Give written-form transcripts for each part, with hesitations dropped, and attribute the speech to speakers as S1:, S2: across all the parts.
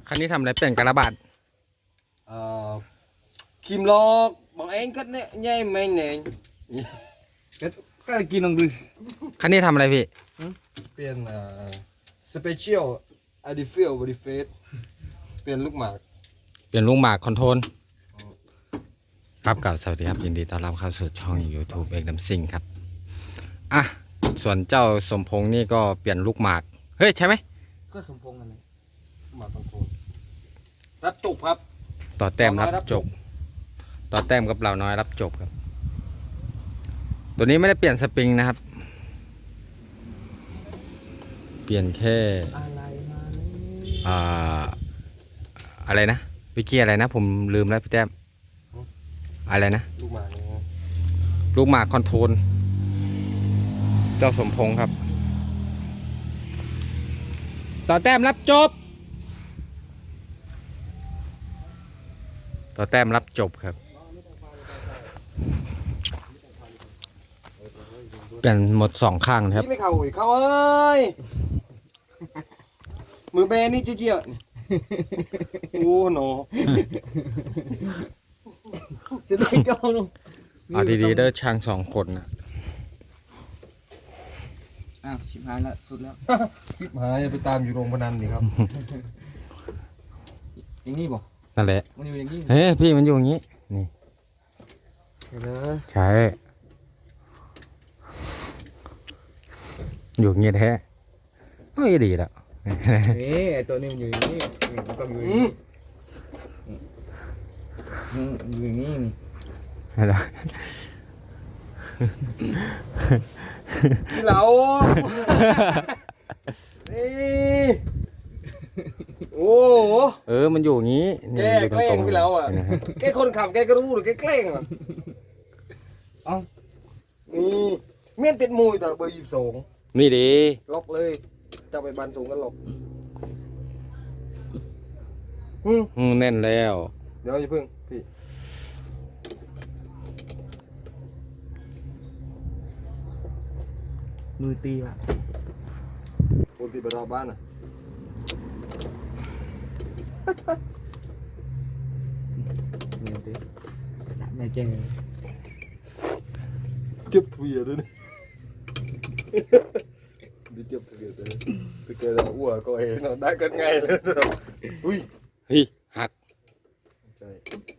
S1: คันนี้ทำอะไรเปลี่ยนกระบาด
S2: kìm lo bọn anh cất đấy nhai mình này
S3: ก็กินลองดู
S1: คันนี้ทำอะไรพี่
S2: tiền special ID feel body face เปลี่ยนลูกหมาก
S1: เปลี่ยนลุงหมากคอนโทรลครับกล่าวสวัสดีครับยินดีต้อนรับเข้าสู่ช่อง YouTube เอกน้ำซิงครับอ่ะส่วนเจ้าสมพงษ์นี่ก็เปลี่ยนลูกหมากเฮ้ยใช่ไหม
S3: ก็สมพงษ์กันเลย
S2: หมากคอนโทรลรับจุกครับ
S1: ต่อแต้มรับ
S2: รับ
S1: จ
S2: จ
S1: บบ ต่อแต้มกับเราน้อยรับจบครับ ตัวนี้ไม่ได้เปลี่ยนสปริงนะครับ เปลี่ยนแค่
S3: อะไรมา
S1: อะไรนะวิกกี้อะไรนะผมลืมแล้วพี่แต้มอะไรนะ
S2: ลูกหมากนี่
S1: ลูกหมากคอนโทรลเจ้าสมพงษ์ครับ ต่อแต้มรับจบ ต่อแต้มรับจบครับเปลี่ยนหมดสองข้างนะครับ
S2: พี่ไม่เข้าอีกเข้าเอ้ยมือเบนนี่เจี๊ยบโอ้โห
S3: จะได้เจ้าลง
S1: เอาดีๆเด้อช่างสองคนนะ
S3: อ้าวชิบหายแล้วสุดแล้ว
S2: คลิปหายไปตามอยู่โรงพนันดิครับ
S3: อย่างนี้บ่
S1: นั่นแหละ
S3: มันอยู่อย่างนี้
S1: เฮ้ยพี่มันอยู่อย่างนี้นี่
S3: เด้อ
S1: ใช่อยู่อย่างนี้แท้ไม่ดีแล้ว
S3: นี่ไอตัวนี้มันอยู่อย่างนี้มันก็อยู่อย่างนี้อยู่อย่างนี้นี่
S1: อะไร
S2: พี่เหลานี่โอ้โห
S1: มันอยู่อย่างนี้
S2: แก
S1: อยู่
S2: แกล้งพี่เหลาอ่ะ
S1: ห็นไหมครับ
S2: แกคนขับแกก็รู้หรือแกแกล้งอ่ะ
S3: เอ้า
S2: นี่เมียนติดมวยแต่เบอร์22
S1: นี่ดี
S2: ล็อกเลยจะไปบันสูงกันล็อก
S1: แน่นแล้ว
S2: เดี๋ยวอย่าเพิ่งพี่
S3: มือตีว่ะ
S2: คนติดไปรอบบ้านอ่ะ
S3: มือตีละแม่เจ๊
S2: เก็บทวีด้วยนี่đi tiếp thực hiện đấy thực hiện là ủa coi nó đã cân ngay rồi ui
S1: เฮ้ยหัก
S2: trời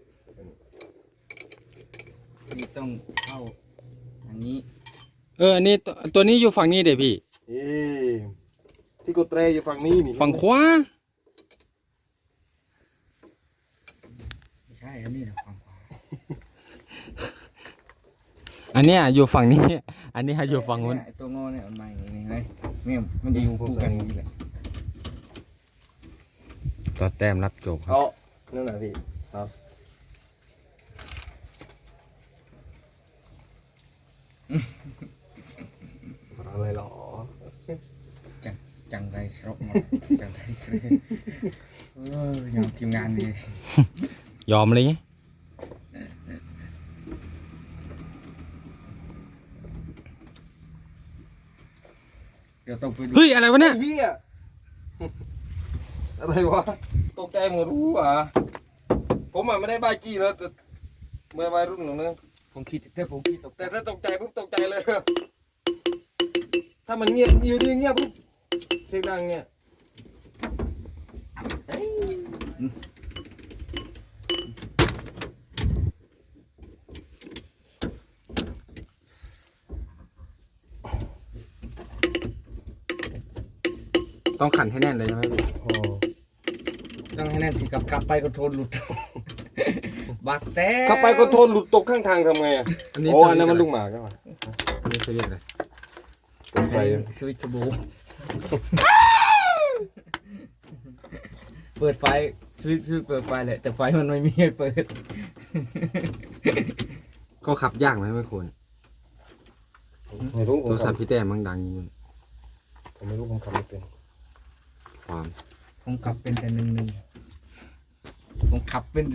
S3: นี่ต้องเข้าอย่างนี้
S1: อันนี้ตัวนี้อยู่ฝั่งนี้เดี๋ยวพี่
S2: ê thì cô tre vôฝั่งนี้นี่
S1: ฝั่งขวา
S3: ไม่ใช่อันนี้นะความขวา
S1: อันเนี้ยอยู่ฝั่งนี้ อันนี้อยู่ฝั่งนู้น
S3: ไอตัวงอเนี่ยมันมาอย่างนี้ไงเนี่ยมันจะอยู่คู่กันอย่างนี้แหละ
S1: ต่อแต้มรับจบครับ
S2: đóนั่นแหละพี่เอาอะไรหรอ
S3: จังไรสรบหมดจังไรสรบยอมทีมงานดี
S1: ยอมเลยไง
S3: เดี๋ยวต้องไปดู
S1: เฮ้ยอะไรวะเนี่ย
S2: เฮียอะไรวะตกใจหมดรู้อ่ะผมอ่ะไม่ได้บ้ากี้แล้วแต่เมื่อวัยรุ่นหนูนึง
S3: ผมคิดแต่ผมคิดตก
S2: แต่ถ้าตกใจปุ๊บตกใจเลย ถ้ามันเงียบอยู่ดีเงียบปุ๊บเสียงดังเงี้ย
S1: ต้องขันให้แน่นเลยใช่ไหมพี่
S2: โอ้
S3: ต้องให้แน่นสิกลับไปก็โทนหลุด บักแต่
S2: ขับไปก็โทนหลุดตกข้างทางทำไงอ่ะโอ้อันนั้นมันลูกหมากใช่ไหม
S1: อันนี้เขาเรียกอะไร
S2: เปิดไฟ
S3: สวิตช์โบเปิดไฟสวิตช์เปิดไฟแหละแต่ไฟมันไม่มีให้เปิด
S1: ก็ขับยากไหมไม่ควร
S2: ไม่รู้ผ
S1: โท
S2: ม
S1: รศัพท์พี่แต้มมันดังอยู่
S2: ผมไม่รู้ผมขับไม่เป็น
S1: ความ
S3: ผมขับเป็นแต่1-1ผมขับเป็น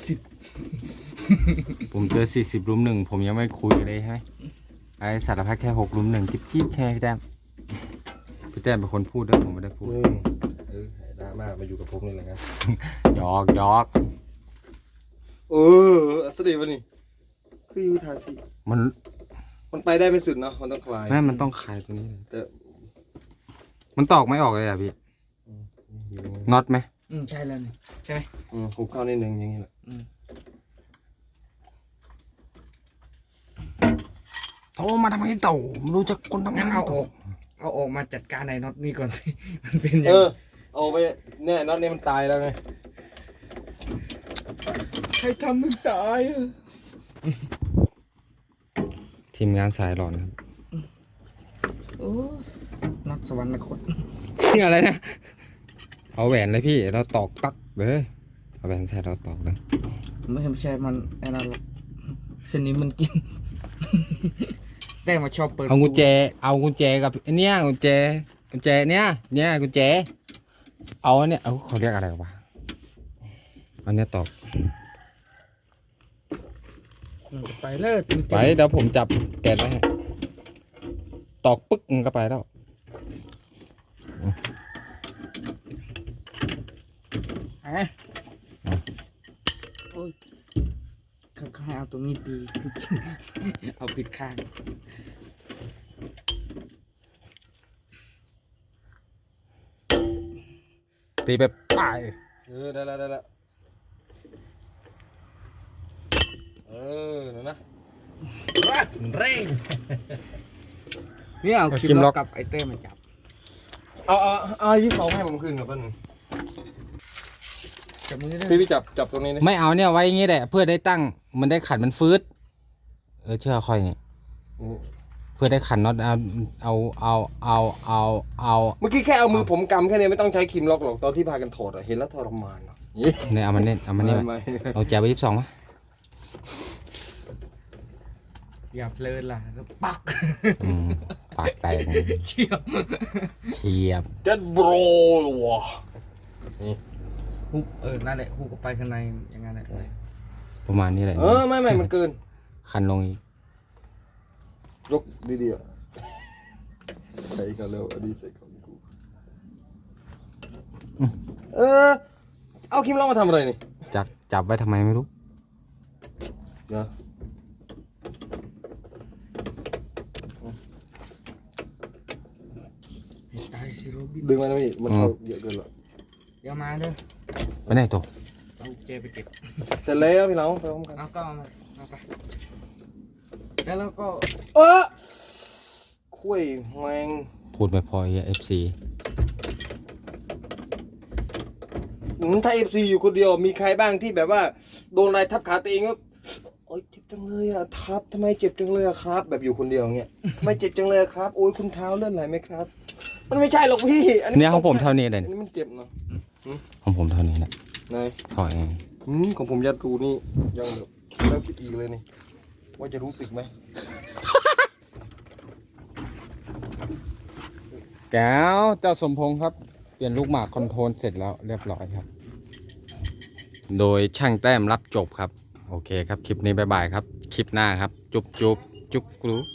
S3: 40
S1: ผมเจอ40ลุม1ผมยังไม่คุยเลยใช่ไหมไอ้สารพัดแค่6ลุม1จิ๊บใช่ไหมพี่แต้มพี่แต้มเป็นคนพูดด้วยผมไม่ได้พูด
S2: เออได้มาอยู่กับผมนี่แหละครับ
S1: หยอกหยอก
S2: สวัสดีวันนี้คืออยู่ทาสิ
S1: มัน
S2: ไปได้ไม่สุดเนาะมันต้องคลาย
S1: แม่มันต้องคลายตัวนี้เลย
S2: แต่
S1: มันตอกไม่ออกเลยอ่ะพี่น็อตไหม
S3: ใช่แล้วนี่ใช่ไหม
S2: หุบเข้านิดนึงอย่างนี้แหละ
S1: โทรมาทำไมเต่าไม่รู้จักคนทำ
S3: งั้น
S1: งาน
S3: เอาออกมาจัดการไอ้น็อตนี่ก่อนสิ มันเป็นยัง
S2: เอาไปเนี่ยน็อตนี่มันตายแล้วไง
S3: ใครทำมึงตายอ่ะ
S1: ทีมงานสายหลอนครับ
S3: โอ้น็อตสวรรคต
S1: อะไรนะเอาแหวนเลยพี่เราตอกตักเลยเอาแหวนใส่เราตอกเลย
S3: ไม่ใช่มันไอ้นั่นหรอกเส้นนี้มันกิน แต่มาชอบเปิด
S1: เอากุญแจกับไอ้เนี่ยกุญแจเนี่ยกุญแจเอาอันเนี่ยเอาเขาเรียกอะไรวะอันเนี้ยตอก
S3: มันจะไปเลิก
S1: ไปเดี๋ยวผมจับแกะไว้ให้ตอกปึ๊กมันก็ไปแล้ว
S3: โอ้ยเขาให้เอาตรงนี้ตี เอาปิดข้าง
S1: ตีไปป้าย
S2: ได้แล้วนั่นนะเร่ง
S3: เนี่ยเอาคลิปล็อกกับไอเต้มาจับ
S2: เอายิ้มเขาให้ผมขึ้นกับป้าหนึ่ง
S3: จับมือได้
S2: พี่จับตรงนี้นี่
S1: ไม่เอาเนี่ยไว้อย่างงี้แหละเพื่อได้ตั้งมันได้ขันมันฟืดเชื่อค่อยเนี่ยเพื่อได้ขันน็อตเอา
S2: เมื่อกี้แค่เอามือผมกำแค่นี้ไม่ต้องใช้ครีมล็อกหรอกตอนที่พากันถอดเห็นแล้วทรมาน
S1: เนี่ยเอามันเนี่ย
S2: ไม่
S1: เอาแจไป22มั้ย
S3: อย่าเพลินล่ะแล้วปัก
S1: ปากแตก
S3: เชี่ยว
S1: เทียบ
S2: จัดโบรวะ
S3: ฮุบนั่นแหละฮุบก็ไปข้างในอย่างนั้นแหละ
S1: ประมาณนี้แหละ
S2: ไม่มันเกิน
S1: คันลงอีก
S2: ยกดีๆใส่กันแล้วอันนี้ใส่ของกูเอาครีมล็อกมาทำอะไรนี่
S1: จับไว้ทำไมไม่รู้
S2: เนาะ
S3: ตายสิโรบิน
S2: ดึงมาหน่อยมันเข้าเยอะเกินแล้ว
S3: อย่ามาเด้อ
S1: ไปไหนตัว
S3: เอาเจไปเก็บ
S2: เสร็จแล้วพี่น้องไปพร้อมกัน
S3: เอาก็เอามาเอาไปแล้วก็
S2: คุยแมง
S1: พูดไม่พอเอฟซี
S2: ถ้า FC อยู่คนเดียวมีใครบ้างที่แบบว่าโดนอะไรทับขาตัวเองก็โอ๊ยเจ็บจังเลยอะทับทำไมเจ็บจังเลยอะครับ แบบอยู่คนเดียวเงี้ยทำไมเจ็บจังเลยอะครับโอ้ยคุณเท้าเลื่อนไหลไหมครับ มันไม่ใช่หรอกพี่
S1: เนี่ยของผมเท่านี้เลย
S2: อันนี้มันเจ็บเนาะ
S1: ของผมเท่านี้แหละ
S2: นาย
S1: ถอย
S2: ของผมยัดรูนี่ยังแบบแล้วคิดอีกเลยนี่ว่าจะรู้สึกไหม
S1: แก้วเจ้าสมพงษ์ครับเปลี่ยนลูกหมากคอนโทรลเสร็จแล้วเรียบร้อยครับ โดยช่างแต้มรับจบครับโอเคครับคลิปนี้บ๊ายบายครับคลิปหน้าครับจุ๊บกรู